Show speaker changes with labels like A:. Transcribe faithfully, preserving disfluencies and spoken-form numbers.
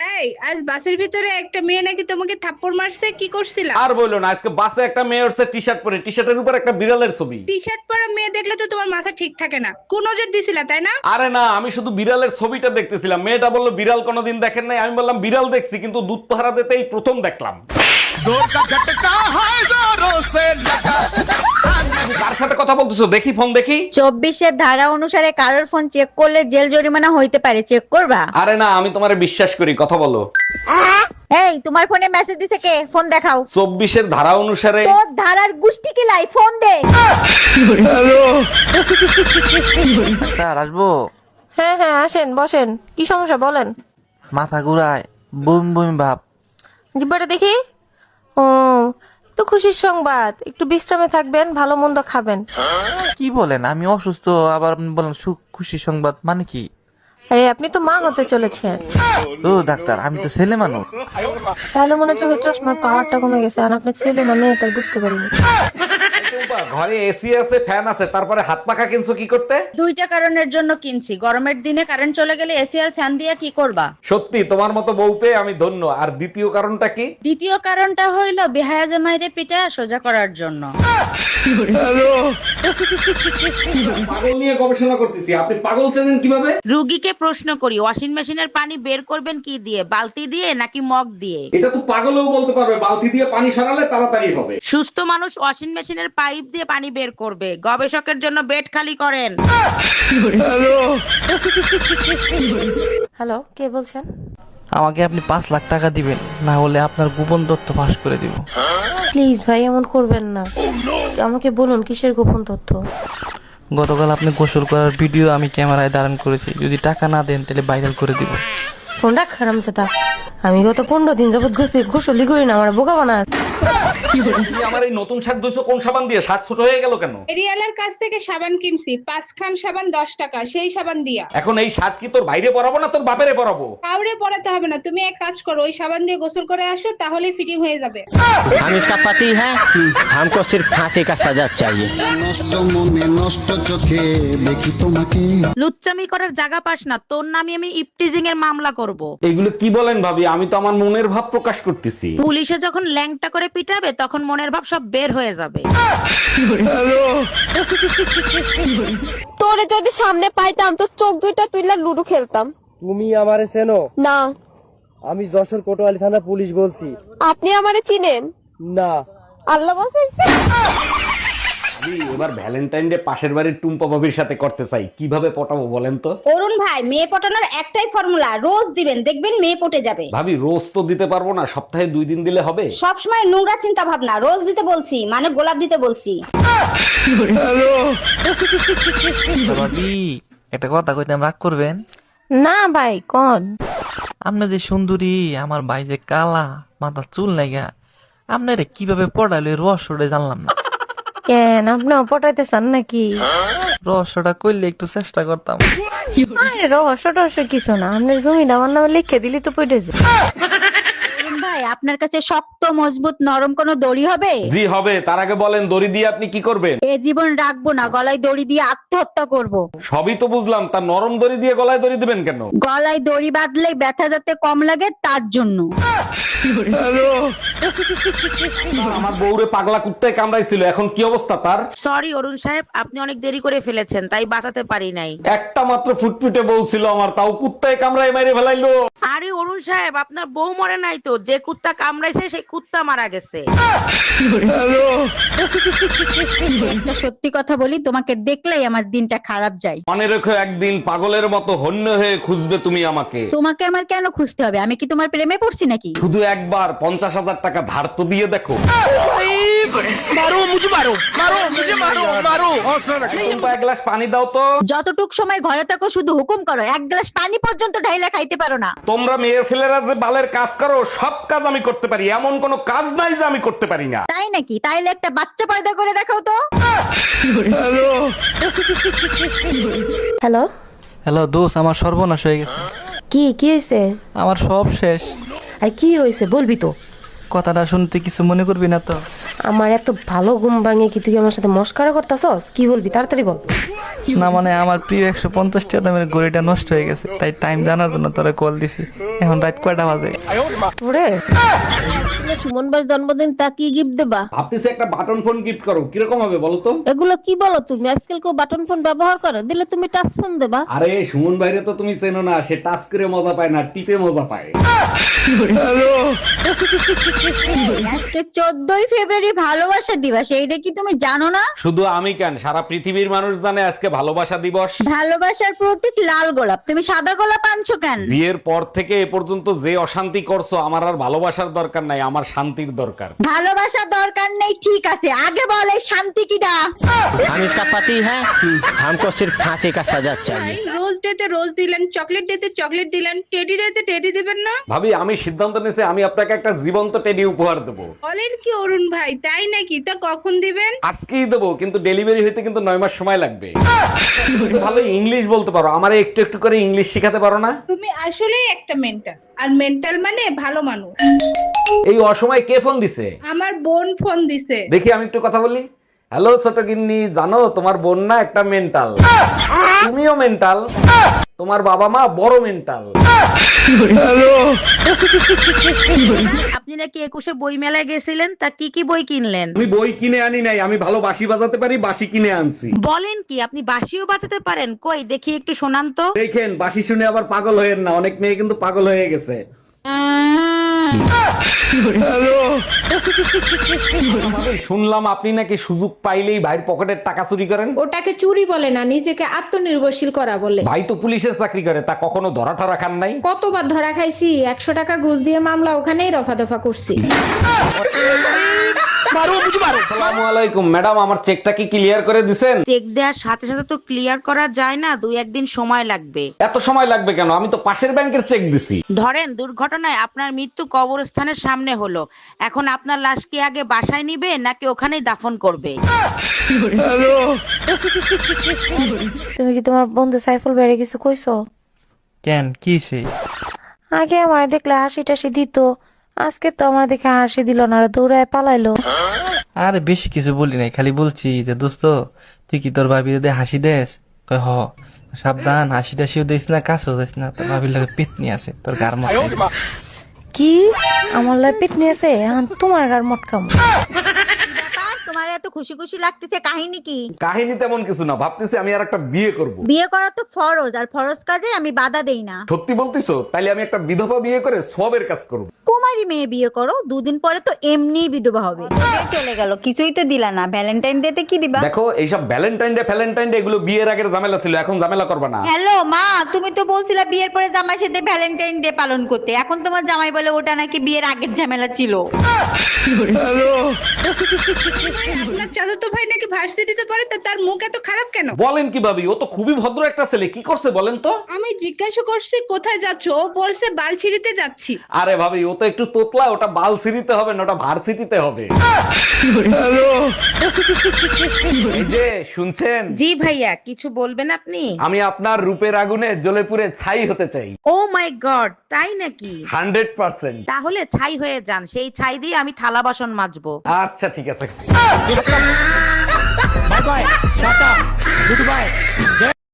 A: এই আজ বাসের ভিতরে একটা মেয়ে নাকি তোমাকে থাপ্পড় মারছে, কি করছিলা?
B: আর বললো না, আজকে বাসে একটা মেয়ে উঠছে টি শার্ট পরে, টি শার্টের উপর একটা বিড়ালের ছবি।
A: টি শার্ট পরা মেয়ে দেখলে তো তোমার মাথা ঠিক থাকে না, কোন নজর দিছিলা তাই না?
B: আরে না, আমি শুধু বিড়ালের ছবিটা দেখতেছিলাম। মেয়েটা বললো বিড়াল কোনোদিন দেখেন নাই। আমি বললাম বিড়াল দেখছি, কিন্তু দুধ পাহারা দিতেই প্রথম দেখলাম। কার সাথে কথা বলতেছো? দেখি ফোন দেখি।
C: চব্বিশের ধারা অনুসারে কারোর ফোন চেক করলে জেল জরিমানা হইতে পারে, চেক করবা?
B: আরে না, আমি তোমারে বিশ্বাস করি, কথা বলো।
C: এই তোমার ফোনে মেসেজ দিছে কে? ফোন দেখাও।
B: চব্বিশের ধারা অনুসারে।
C: তোর ধারার গুষ্টি কি লাই, ফোন দে।
D: স্যার আসবো?
E: হ্যাঁ হ্যাঁ আসেন, বসেন। কি সমস্যা বলেন?
D: মাথা ঘুরায়, বমি বমি ভাব।
E: জিব্বাটা দেখি। ও তো খুশির সংবাদ, একটু বিশ্রামে থাকবেন, ভালো মন্দ খাবেন।
D: কি বলেন? আমি অসুস্থ, আবার আপনি বলেন সুখ খুশি সংবাদ, মানে কি?
E: আরে আপনি তো মা হতে চলেছেন।
D: ও ডাক্তার, আমি তো ছেলে মানুষ।
E: তাহলে মনে হচ্ছে চশমার পাওয়ারটা কমে গেছে, আর আপনার ছেলে না মেয়ে তাই বুঝতে পারিনি।
B: ঘরে এসি আছে, ফ্যান আছে, তারপরে হাত পাখা কিনছো কি করতে?
F: দুইটা কারণের জন্য কিনছি। গরমের দিনে কারেন্ট চলে গেলে এসি আর ফ্যান দিয়ে কি করবা?
B: সত্যি তোমার মতো বউ পেয়ে আমি ধন্য। আর দ্বিতীয় কারণটা কি?
F: দ্বিতীয় কারণটা হইলো বেহায়া জামাইরে পিঠা সোজা করার জন্য।
B: পাগল নিয়ে গবেষণা করতেছি, আপনি পাগল চেনেন কিভাবে?
F: রুগীকে প্রশ্ন করি, ওয়াশিং মেশিনের পানি বের করবেন কি দিয়ে, বালতি দিয়ে নাকি মগ দিয়ে?
B: এটা তো পাগলও বলতে পারবে, বালতি দিয়ে পানি সরালে তাড়াতাড়ি হবে।
F: সুস্থ মানুষ ওয়াশিং মেশিনের পাইপ দিয়ে পানি বের করবে। গবেষকের জন্য বেড খালি করেন।
E: হ্যালো, কে বলছেন?
D: আমাকে আপনি পাঁচ লাখ টাকা দিবেন, না হলে আপনার গোপন তথ্য ফাঁস করে দিব।
E: প্লিজ ভাই, এমন করবেন না। আমাকে বলুন কিসের গোপন তথ্য?
D: গতকাল আপনি গোসল করার ভিডিও আমি ক্যামেরায় ধারণ করেছি। যদি টাকা না দেন তাহলে ভাইরাল করে দিব।
E: ফোন রাখ খারাম চেতা। আমি গত পনেরো দিন যাবত গোসলি গোসলি করি না, আমার বোকা বানা।
B: তুমি আমার এই নতুন শার্ট ধুইছো কোন সাবান দিয়ে? শার্ট ছোট হয়ে গেল কেন?
A: এরিয়ালার কাছ থেকে সাবান কিনছি, পাঁচ খান সাবান দশ টাকা, সেই সাবান দিয়া।
B: এখন এই শার্ট কি তোর বাইরে পরাবো না তোর বাপেরে পরাবো?
A: কাউরে পড়াতে হবে না, তুমি এক কাজ করো, ওই সাবান দিয়ে গোসল করে আসো, তাহলে ফিটিং হয়ে যাবে।
G: हम इसका पति है, हमको सिर्फ फांसी का सजा चाहिए।
H: নষ্ট মনে নষ্ট চোখে দেখি তোমাকে।
F: লুচ্চামি করার জায়গা পাস না, তোর নামে আমি ইপটিজিং এর মামলা করব।
B: এগুলো কি বলেন ভাবি? আমি তো আমার মনের ভাব প্রকাশ করতেছি।
F: পুলিশে যখন ল্যাংটা করে পিটাবে তখন মনের ভাব সব বের হয়ে যাবে।
I: তোরে যদি সামনে পাইতাম তো চোখ দুইটা তুইলা লুডো খেলতাম।
J: তুমি আমারে চেনো?
I: না।
J: আমি যশোর কোতোয়ালি থানা পুলিশ বলছি।
I: আপনি আমারে চিনেন?
J: না।
I: আল্লাহ বাঁচাইছে।
B: আমি এবার ভ্যালেন্টাইন ডে পাশের বাড়ির টুম্পা ভাবির সাথে করতে চাই, কিভাবে পটাবো বলেন তো?
C: অরুণ ভাই, মেয়ে পটানোর একটাই ফর্মুলা, রোজ দিবেন, দেখবেন মেয়ে পটে যাবে।
B: ভাবি রোজ তো দিতে পারবো না, সপ্তাহে দুই দিন দিলে হবে?
C: সবসময় নোংরা চিন্তা ভাবনা, রোজ দিতে বলছি মানে গোলাপ দিতে বলছি।
D: ভাবি একটা কথা কইতাম, রাগ করবেন
E: না ভাই, কোন?
D: আপনি যে সুন্দরী, আমার ভাই যে কালা, মাথা চুল নাইগা, আপনারা কিভাবে পড়াইলো এই রহস্যটা জানলাম না।
E: কেন, আপনিও পটাইতে চান নাকি?
D: রহস্যটা করলে একটু চেষ্টা করতাম।
E: আরে রহস্য টহস্য কিছু না, আপনার জমিটা আমার নামে লিখে দিলি তো পড়ে যায়।
C: অরুণ ভাই, আপনার কাছে শক্ত মজবুত নরম কোনো দড়ি হবে?
B: জি হবে। তার আগে বলেন দড়ি দিয়ে আপনি কি করবেন?
C: এ জীবন রাখবো না, গলায় দড়ি দিয়ে আত্মহত্যা করব।
B: সবই তো বুঝলাম, তার নরম দড়ি দিয়ে গলায় দড়ি দিবেন কেন?
C: গলায় দড়ি বাঁধলে ব্যথা যাতে কম লাগে তার জন্য।
B: আমার বউরে পাগলা কুত্তায় কামড়াইছিল, এখন কি অবস্থা তার?
F: সরি অরুণ সাহেব, আপনি অনেক দেরি করে ফেলেছেন, তাই বাঁচাতে পারি নাই।
B: একটা মাত্র ফুটফুটে বউ ছিল আমার, তাও কুত্তায় কামড়ায় মেরে ফেলাইলো।
F: আরে অরুণ সাহেব, আপনার বউ মরে নাই তো, যে কুত্তা কামড়াইছে সেই কুত্তা মারা গেছে।
C: একটা সত্যি কথা বলি, তোমাকে দেখলেই আমার দিনটা খারাপ যায়।
B: মনে রেখো, একদিন পাগলের মতো হন্য হয়ে খুঁজবে তুমি আমাকে।
C: তোমাকে আমার কেন খুঁজতে হবে? আমি কি তোমার প্রেমে পড়ছি নাকি?
B: শুধু একবার পঞ্চাশ হাজার টাকা ধার তো দিয়ে দেখো। টুম্পা, এক গ্লাস পানি দাও তো।
C: যতটুক সময় ঘরে থাকো শুধু হুকুম করো, এক গ্লাস পানি পর্যন্ত ঢাইলা খাইতে পারো না।
B: তোমরা মেয়ে ছেলেরা যে বালের কাজ করো, সব কাজ আমি করতে পারি, এমন কোনো কাজ নাই যে আমি করতে পারি না।
C: তাই নাকি? তাইলে একটা বাচ্চা পয়দা করে দেখাও তো।
E: হ্যালো।
D: হ্যালো দোস্ত, আমার সর্বনাশ হয়ে গেছে।
E: কি কি হয়েছে?
D: আমার সব শেষ।
E: আর কি হয়েছে বলবি তো?
D: কথাটা শুনতে কিছু মনে করবি না তো?
E: আমার এত ভালো ঘুম ভাঙে কি তুই আমার সাথে মস্কারা করতাছস? কি বলবি তাড়াতাড়ি বল।
D: না মানে আমার প্রিয় একশো পঞ্চাশ টাকা দামের ঘড়িটা নষ্ট হয়ে গেছে, তাই টাইম জানার জন্য তোরে কল দিছি। এখন রাত কয়টা বাজে?
E: তোরে সুমন ভাইয়ের জন্মদিন, তা কি গিফট দেবা?
B: ভাবতেছি একটা বাটন ফোন গিফট করো, কিরকম হবে বলো তো?
E: এগুলো কি বলো তুমি? আজকাল কেউ বাটন ফোন ব্যবহার করে? দিলে তুমি টাচ ফোন দেবা।
B: আরে সুমন ভাইরে তো তুমি চেনো না, সে টাচ করে মজা পায় না, টিপে মজা পায়।
C: আজকে চোদ্দই ফেব্রুয়ারি ভালোবাসা দিবস, এইটা কি তুমি জানো না?
B: শুধু আমি কেন, সারা পৃথিবীর মানুষ জানে আজকে ভালোবাসা দিবস।
C: ভালোবাসার প্রতীক লাল গোলাপ, তুমি সাদা গোলাপ আনছো কেন?
B: বিয়ের পর থেকে এ পর্যন্ত যে অশান্তি করছো, আমার আর ভালোবাসার দরকার নাই, আমার শান্তির দরকার।
C: ভালোবাসার দরকার নেই ঠিক আছে, আগে বল এই শান্তি কিটা?
G: हम इसका पति है हमको सिर्फ फांसी का सजा चाहिए।
A: রোজ ডেতে রোজ দিলেন, চকলেট ডেতে চকলেট দিলেন, টেডি ডেতে টেডি দিবেন না?
B: ভাবি আমি সিদ্ধান্ত নিয়েছি, আমি আপনাকে একটা জীবন্ত টেডি উপহার দেবো।
A: বলেন কি অরুণ ভাই, তাই নাকি? তা কখন দিবেন?
B: আজকেই দেবো, কিন্তু ডেলিভারি হইতে কিন্তু নয় মাস সময় লাগবে। তুমি ভালো ইংলিশ বলতে পারো, আমারে একটু একটু করে ইংলিশ শিখাতে পারো না?
A: তুমি আসলেই একটা মেন্টাল, আর মেন্টাল মানে ভালো মানুষ।
B: এই অসময়ে কে ফোন দিছে?
A: আমার বোন ফোন দিছে।
B: দেখি আমি একটু কথা বলি। হ্যালো ছোট গিন্নি, জানো তোমার বোন না একটা মেন্টাল, তুমিও মেন্টাল, তোমার বাবা মা বড় মেন্টাল।
F: আপনি নাকি একুশে বই মেলায় গেছিলেন, তা কি কি বই কিনলেন?
B: আমি বই কিনে আনি নাই, আমি ভালো বাঁশি বাজাতে পারি, বাঁশি কিনে আনছি।
F: বলেন কি, আপনি বাঁশিও বাজাতে পারেন? কই দেখি একটু শোনান তো।
B: দেখেন, বাঁশি শুনে আবার পাগল হয়েন না, অনেক মেয়ে কিন্তু পাগল হয়ে গেছে। শুনলাম আপনি নাকি সুযোগ পাইলেই ভাইয়ের পকেটের টাকা চুরি করেন।
A: ওটাকে চুরি বলে না, নিজেকে আত্মনির্ভরশীল করা বলে।
B: ভাই তো পুলিশের চাকরি করে, তা কখনো ধরা ঠরা খান নাই?
A: কতবার ধরা খাইছি, একশো টাকা ঘুষ দিয়ে মামলা ওখানেই রফা দফা করছি।
B: আসসালামু আলাইকুম ম্যাডাম, আমার চেকটা কি ক্লিয়ার করে দিছেন?
F: চেক দেওয়ার সাথে সাথে তো ক্লিয়ার করা যায় না, দুই একদিন সময় লাগবে।
B: এত সময় লাগবে কেন? আমি তো পাশের ব্যাংকের চেক দিছি।
F: ধরেন দুর্ঘটনায় আপনার মৃত্যু কবরস্থানের সামনে হলো, এখন আপনার লাশ কি আগে বাসায় নিবে নাকি ওখানেই দাফন করবে?
E: তুমি কি তোমার বন্ধু সাইফুল ভাইরে কিছু কইছো?
D: কেন কি সে?
E: আগে আমার দেখলে হাসি টাসি দিত, আজকে তো আমার দেখে হাসি দিল না, আর দৌড়ায় পালাইলো।
D: আরে বেশি কিছু বলি নাই, খালি বলছি যে দোস্ত তুই কি তোর ভাবি যদি হাসি দেস? কয় হ। সাবধান, হাসি টাসিও দিস না, কাছেও দিস না, তোর ভাবির লাগে পিতনি আছে তোর গার মধ্যে।
E: কি আমার লাই পিটনি আছে? এখন তোমার গার মটকাম।
C: তোমার এত খুশি খুশি লাগতেছে, কাহিনী কি?
B: কাহিনী তেমন কিছু না, ভাবতেছি আমি আর একটা বিয়ে করব।
C: বিয়ে করা তো ফরজ, আর ফরজ কাজে আমি বাধা দেই না।
B: সত্যি বলতিছো? তাইলে আমি একটা বিধবা বিয়ে করে সবের কাজ করব।
C: কুমারী মেয়ে বিয়ে করো, দুদিন পরে তো এমনিই বিধবা হবে। চলে গেল, কিছুই তো দিলা না। ভ্যালেন্টাইন ডে তে কি দিবা?
B: দেখো, এইসব ভ্যালেন্টাইন ডে ফ্যালেন্টাইন ডে এগুলো বিয়ের আগের ঝামেলা ছিল, এখন ঝামেলা করবে না।
C: হ্যালো মা, তুমি তো বলছিলা বিয়ের পরে জামাই সাথে ভ্যালেন্টাইন ডে পালন করতে, এখন তোমার জামাই বলে ওটা নাকি বিয়ের আগের ঝামেলা ছিল।
A: আপনার চাচাতো ভাই নাকি ভার্সিটিতে পড়ে, তা তার মুখ এত খারাপ কেন?
B: বলেন কি ভাবি, ও তো খুবই ভদ্র একটা ছেলে, কি করছে বলেন তো?
A: আমি জিজ্ঞাসা করছি কোথায় যাচ্ছ, ও বলছে বালছিড়িতে যাচ্ছি।
B: আরে ভাবি, ও তো একটু তোতলা, ওটা বালসিরিতে হবে না, ওটা ভার্সিটিতে হবে। এই যে শুনছেন?
F: জি ভাইয়া, কিছু বলবেন আপনি?
B: আমি আপনার রূপের আগুনে জ্বলে পুড়ে ছাই হতে চাই।
F: ও মাই গড, তাই নাকি?
B: Hundred percent.
F: তাহলে ছাই হয়ে যান, সেই ছাই দিয়ে আমি থালা বাসন মাজবো।
B: আচ্ছা ঠিক আছে।
G: Bye bye tata good bye.